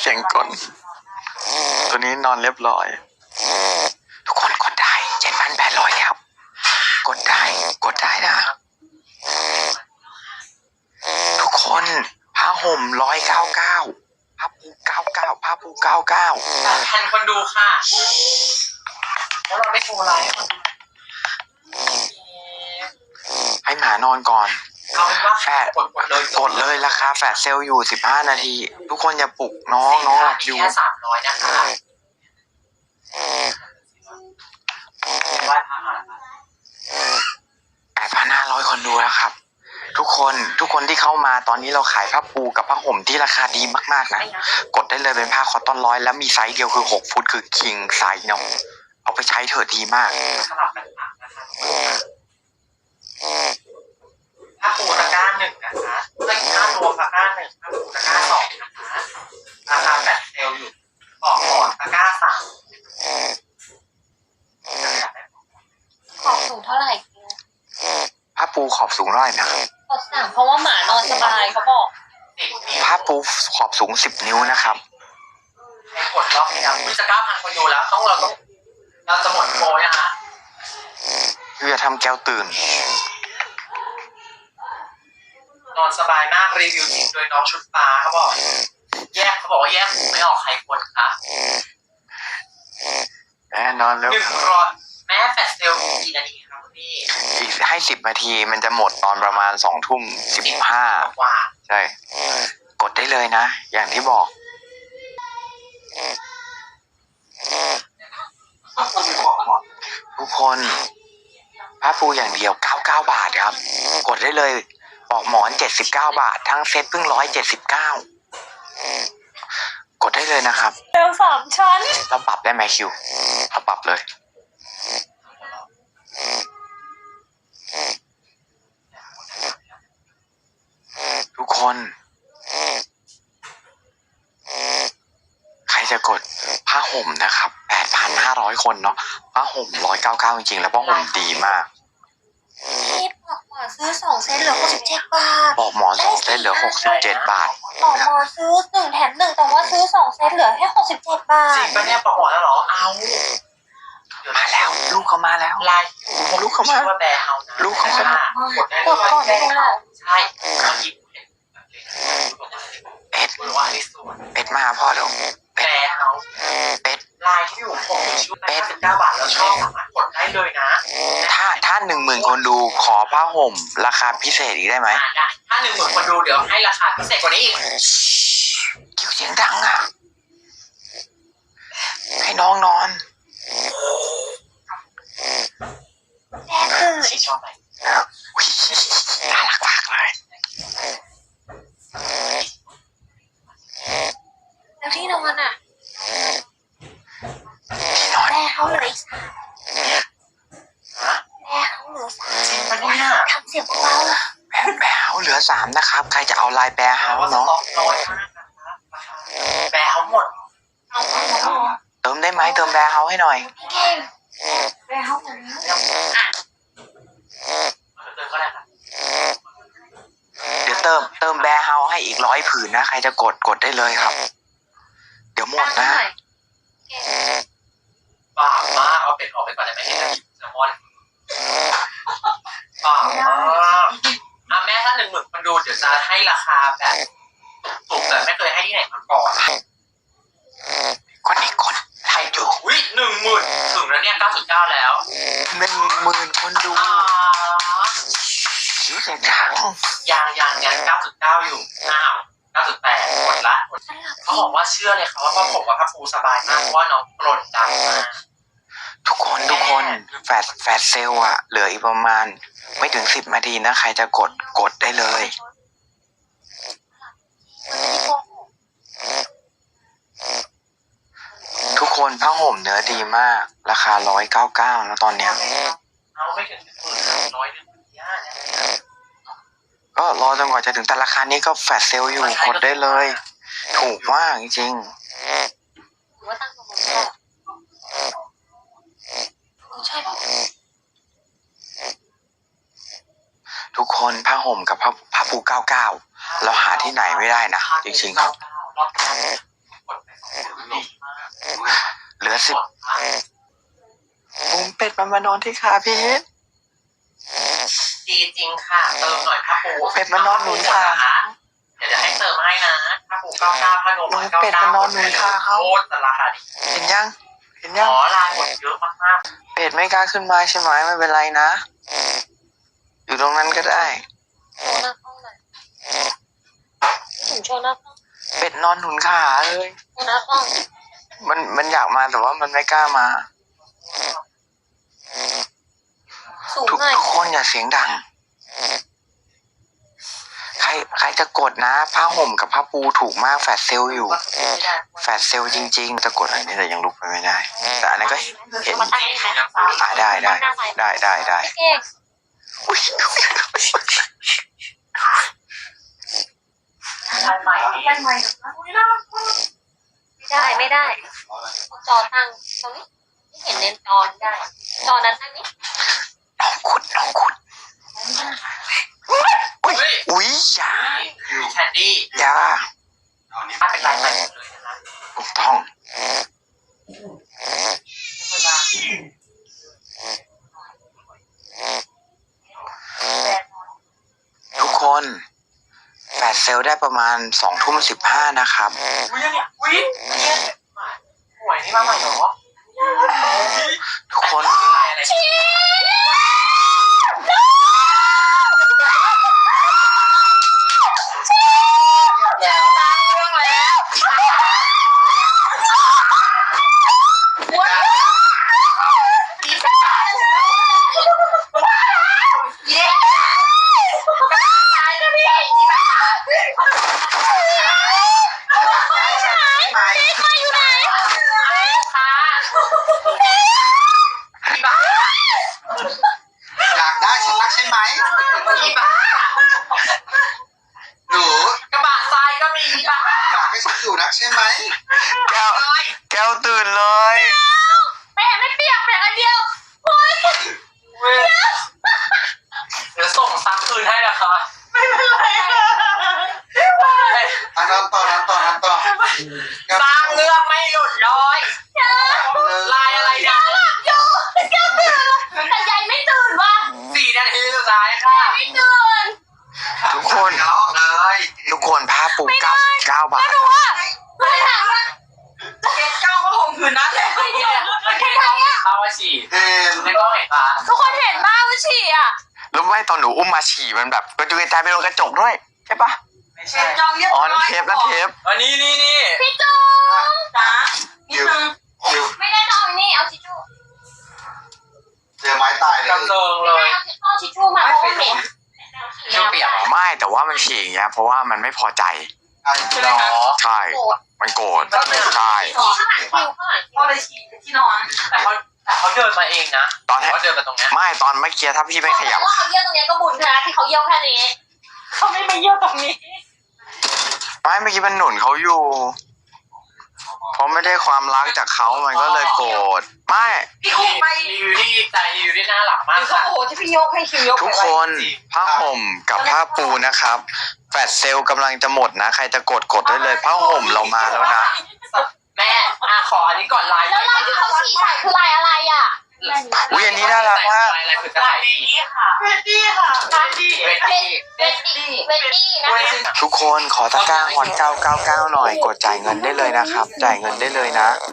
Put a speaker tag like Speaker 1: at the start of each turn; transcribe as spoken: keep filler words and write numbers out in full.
Speaker 1: สียงกลตัวนี้นอนเรียบร้อยทุกคนกดได้เจ็ดพันแปดร้อยแล้วกดได้กดได้นะทุกคนผ้าห่มร้อยเก้าเก้าผ้าปูเก้าเก้าผ้าปูเก้าเก้า
Speaker 2: แทนคนดูค่ะแล้วเราไม่โชว์ไลฟ์
Speaker 1: ให้หมานอนก่อน
Speaker 2: เอาเป็นว่า
Speaker 1: แฟด
Speaker 2: กดกดเลย
Speaker 1: กดเลยราคาแฟดเซลอยู่สิบห้านาทีทุกคนอย่าปลุกน้องน้องหลับอยู่
Speaker 2: แค่สามร้อยนะคะไหว้พระ
Speaker 1: แปดพันห้าร้อยคนดูแล้วครับทุกคนทุกคนที่เข้ามาตอนนี้เราขายผ้าปูกับผ้าห่มที่ราคาดีมากๆนะกดได้เลยเป็นผ้าคอตตอนร้อยแล้วมีไซส์เดียวคือหกฟุตคือคิงไซส์เนาะเอาไปใช้เถอะดีมาก
Speaker 2: สลับกันตักนะคะผ้าปูตะกร้าหนึ่งนะคะตะกร้ารวมตะกร้าหนึ่งผ้าปูตะกร้าสองนะคะราคาแฟลชเซลอยู่ออกก่อนตะกร้าสาม
Speaker 3: ขอบสูงเท่าไหร่
Speaker 1: ผ้าปูขอบสูงร้อยนะ
Speaker 3: ขอบสามเพราะว่าหมานอนสบายเขาบอก
Speaker 1: ผ้าปูขอบสูงสิบนิ้วนะครับ
Speaker 2: ให้กดรอบนี้นะจะเก้าพันคนดูแล้วต้องเราต้องเราจะหมดโปรนะคะ
Speaker 1: คือจะทำแก้วตื่น
Speaker 2: นอนสบายมากรีวิวจริงโดยน้องชุดปลาเขาบอกแยกเขาบอกว่าแยกไม่ออกใครควรคะ
Speaker 1: แม่นอนแล้ว
Speaker 2: หนึ่งร้อยแม่แฟลชเซลกี่นาทีครับพี่
Speaker 1: อีกให้สิบนาทีมันจะหมดตอนประมาณสองทุ่มสิบห้าใช่กดได้เลยนะอย่างที่บอกทุกคนผ้าปูอย่างเดียวเก้าสิบเก้าบาทครับกดได้เลยปลอกหมอนเจ็ดสิบเก้าบาททั้งเซ็ตเพิ่งหนึ่งร้อยเจ็ดสิบเก้ากดได้เลยนะครับ
Speaker 3: เร็วสามชั้น
Speaker 1: เราปรับได้ไหมคิวเราปรับเลยทุกคนใครจะกดผ้าห่มนะครับ แปดพันห้าร้อย คนเนาะผ้าห่มหนึ่งร้อยเก้าสิบเก้าจริงๆแล้วผ้าห่มดีมาก
Speaker 3: พี่บอกหมอซื้อสองเซตเหลือหกสิบเจ็ดบาท
Speaker 1: บอกหมอสองเซตเหลือหกสิบเจ็ดบาท
Speaker 3: บอกหมอซื้อหนึ่งแถมหนึ่งแต่ว่าซื้อสองเซตเหลือแค่หกสิบเจ็ดบาท
Speaker 2: จริงปะเนี่ยบอกหมอแล้วเหรอเอา
Speaker 1: มาแล้วลูกเขามาแล้ว
Speaker 2: ไลน์ลูกเขามาว่าแบร์เฮานะ
Speaker 1: ลูกเขามาก
Speaker 3: ดกดก่อนได้ไหม
Speaker 2: ใช่
Speaker 1: เป็ดเป็ดมาพ่อเร็ว
Speaker 2: แบร์เฮา
Speaker 1: เป็ด
Speaker 2: ไลน์ที่อยู่ผมชื่อเป็ดเก้าบาทแล้วชอบสามารถกดได้เลยนะ
Speaker 1: ถ้าถ้าหนึ่งหมื่นคนดูขอผ้าห่มราคาพิเศษอีกได้ไหม
Speaker 2: ได้ถ้าหนึ่งหมื่นคนดูเดี๋ยวให้ราคาพิเศษกว่านี้อีก
Speaker 1: คิวเสียงดังอ่ะให้น้องนอน
Speaker 3: แม่คือ
Speaker 2: ชอบไหม
Speaker 1: น่ารักมากเลย
Speaker 3: แล้วที่นอนอ่ะ
Speaker 1: ที่นอน
Speaker 3: แม่เขาเหลืออีกสามแม่เขาเหลือสามทำเสียงเบา
Speaker 1: แม่แม่เฮาเหลือสามนะครับใครจะเอาลายแบร์เฮาเนาะ
Speaker 2: แบร์เฮาหมด
Speaker 1: เติมได้ไหมเติมแบร์เฮาให้หน่อย
Speaker 3: เก่งแบร์เฮาหมดแล้วอ่ะ
Speaker 1: เดี๋ยวเติมเติมแบร์เฮาให้อีกร้อยผืนนะใครจะกดกดได้เลยครับเดี๋ยวหมดนะ
Speaker 2: บ้ามากเอาเป็ดออกไปก่อนได้ไหมแซลมอนบ้ามากอ่ะแม่ถ้าหนึ่งหมื่นคนดูเดี๋ยวจะให้ราคาแบบถูกแต่ไม่เคยให้ที่ไหนมาก่อน
Speaker 1: คนนี้คนไทยอยู่
Speaker 2: วิหนึ่งหมื่นถึงแล้วเนี่ยเก้าสิบเก้าแล้ว
Speaker 1: หนึ่งหมื่นคนดูคิวเสียงดัง
Speaker 2: ยังยังยังเก้าสิบเก้าอยู่อ้าวเก้าสิบแปดหมดละเขาบอกว่าเชื่อเลยค่ะว่าพ่อผมกับพ่อฟูสบายมากเพราะว่าน้องกรนดังมาก
Speaker 1: ทุกคนทุกคนแฟดแฟดเซลอะเหลืออีกประมาณไม่ถึงสิบนาทีนะใครจะกดกดได้เลยทุกคนผ้าห่มเนื้อดีมากราคาร้อยเก้าเก้าแล้วตอนเนี้ย
Speaker 2: เอาไม่ถึงหมื่นน้อยนึง
Speaker 1: ก็รอจนกว่าจะถึงแต่ราคานี้ก็แฟดเซลอยู่กดได้เลยถูกมากจริงทุกคนผ้าห่มกับผ้าผ้าปูเก้าเก้าเราหาที่ไหนไม่ได้นะจริงๆครับเหลือสิบผมเป็ดมันมานอนที่ขาพีท
Speaker 2: ดีจริงค่ะเติมหน่อยผ้าปู
Speaker 1: เป็ดมันนอนหนุนขา
Speaker 2: เดี๋ยวจะให้เติมให้นะผ้าปูเก้าเก้าผ้านวมร้อยเก้า
Speaker 1: เป็ดมั
Speaker 2: เก้าน
Speaker 1: นอนหนุนขาเขา
Speaker 2: โคตรราคาดี
Speaker 1: เห็นยัง เห็น
Speaker 2: อ๋
Speaker 1: ยัง
Speaker 2: อลายหมดเยอะมาก
Speaker 1: เป็ดไม่กล้าขึ้นมาใช่ไหมไม่เป็นไรนะ อยู่ตรงนั้นก็ได้
Speaker 3: โชว์หน้าห้องหน่อยถึงโชว์หน้าห้อง
Speaker 1: เป็ดนอนหนุนขาเลย
Speaker 3: โชว์หน้าห้อง
Speaker 1: มันมันอยากมาแต่ว่ามันไม่กล้ามา
Speaker 3: สูง
Speaker 1: ทุก
Speaker 3: หน่อย
Speaker 1: ทุกคนอย่าเสียงดัง ใครใครจะกดนะผ้าห่มกับผ้าปูถูกมากแฟดเซลอยู่ แฟดเซลจริงๆจะกดอันนี้แต่ยังลุกไปไม่ได้ แต่อันนั้นก็เห็น
Speaker 3: มาตั้งนี่นะ
Speaker 1: อ่าได้ได้ได้ได้ได้
Speaker 3: เก่ง
Speaker 1: อุ๊ย
Speaker 2: ๆลายใหม่ดี
Speaker 3: ไม่ได้ไม่ได้จอตั้งตรงนี้ไม่เห็นเลนจอได้ จอนั้นตั้งนี้
Speaker 1: น้องขุดน้องขุดอุ้ยอุ้ยอย่า
Speaker 2: แคนดี้
Speaker 1: อย่า
Speaker 2: ถ้าเป็นลายใหม่หมดเลยนะคะ
Speaker 1: ถูกต้อง ทุกคนแฟดเซลได้ประมาณสองทุ่มสิบห้านะครับ
Speaker 2: อุ้ยเนี่ยอุ้ยหวยนี่มาใหม่เหรอ
Speaker 1: ทุกคน
Speaker 2: ลายอะไร
Speaker 4: อยากได้ฉันรักใช่ไหม
Speaker 2: อีบ้า
Speaker 4: หนู
Speaker 2: กระบะทรายก็มีอีบ้า
Speaker 4: อยากให้ฉันอยู่นักใช่ไหม
Speaker 1: แก้ว
Speaker 2: เลย
Speaker 1: แก้วตื่นเลย
Speaker 3: แม่ไม่เปียกเปียกอันเดียวโอ๊ย
Speaker 2: เดี๋ยวส่งซักคืนให้นะคะไม่เป็นไรค่ะ
Speaker 4: อันนั้นต่อนั้นต่อนั้นต่อ
Speaker 2: สร้างเรื่องไม่หยุดเลยลายอะไรเนี่ย
Speaker 3: อยู่แก้วตื่นแต่ยายไม่ตื่นว่ะ
Speaker 2: สี่นาทีสุดท้ายค่ะ
Speaker 3: ไม่ตื่น
Speaker 1: ทุกคน
Speaker 4: เดี๋ยวเลย
Speaker 1: ทุกคนผ้าปูเก้าสิบเก้าบาท
Speaker 3: รู้ว่าไม่ถามว่า
Speaker 2: เก็บเก้าก็คงคืนนั้นแหละไม่เนี่ยมันแค่ต้องเห็นภาพว่าฉี่
Speaker 4: เห็น
Speaker 2: ไม่ต้องเห็นปะ
Speaker 3: ทุกคนเห็นบ้าว่าฉี่อ่ะ
Speaker 1: รู้ไหมตอนหนูอุ้มมาฉี่มันแบบกระจุยกระจายไปโดนกระจกด้วยใช่ปะ
Speaker 2: ไม่ใช่
Speaker 1: อ๋อนั่นเทปนั่นเทป
Speaker 2: อันนี้นี่นี่
Speaker 3: พี่จูงจ๋า
Speaker 4: คิวคิว
Speaker 3: ไม่ได้นอนนี่เอาทิชชู่
Speaker 4: เจอไม้ตายเลย
Speaker 2: กำเริงเล
Speaker 3: ไม่
Speaker 2: ย
Speaker 3: เอาทิชชู่มาเพราะว่าเหม็น
Speaker 2: ชูเปียก
Speaker 1: ไม่แต่ว่ามันฉี่อย่างเงี้ยเพราะว่ามันไม่พอใจ
Speaker 2: ใช่ไหมคะ
Speaker 1: ใช่ มันโกรธใช่
Speaker 3: ข้างหลังคิวข้างหลังคิว
Speaker 2: ก็เลยฉี่ที่นอน แต่เขาแต่เขาเดินมาเองนะ
Speaker 1: ตอนแรก
Speaker 2: เขาเดินมาตรงเนี้ย
Speaker 1: ไม่ตอนเมื่อกี้ถ้าพี่ไม่ขยับ
Speaker 3: ว่าเขาเยี่ยวตรงนี้ก็บุญนะที่เขาเยี่ยวแค่นี้เขาไม่มาเยี่ยวตรงนี้
Speaker 1: ไม่เมื่อกี้มันหนุนเขาอยู่เพราะไม่ได้ความรักจากเขามันก็เลยโกรธไม่
Speaker 2: พี่อุ้มไปรีวิวที่ใจรีวิวที่น่าหลักมากค่ะ
Speaker 5: โอ้โหที่พี่ยกให้คิวยก
Speaker 1: ทุกคนผ้าห่มกับผ้าปูนะครับแฟดเซลลกำลังจะหมดนะ ใครจะกดกดได้เลยผ้าห่มเรามาแล้วนะ
Speaker 2: แม่อ่ะขออันนี้ก่อนลาย
Speaker 3: แล้วลายที่เขาฉี่ใส่คือลายอะไรอ่ะ
Speaker 1: อุ๊ยอันนี้น่ารักมาก
Speaker 2: ลายอะไรคือลายนี้ค่ะเวดดี้ค่ะเวดดี้เวดดี้
Speaker 3: เวดดี้เวดดี้นะคะ
Speaker 1: ทุกคนขอตะกร้าฮอนเก้าเก้าเก้าหน่อยกดจ่ายเงินได้เลยนะครับ จ่ายเงินได้เลยนะ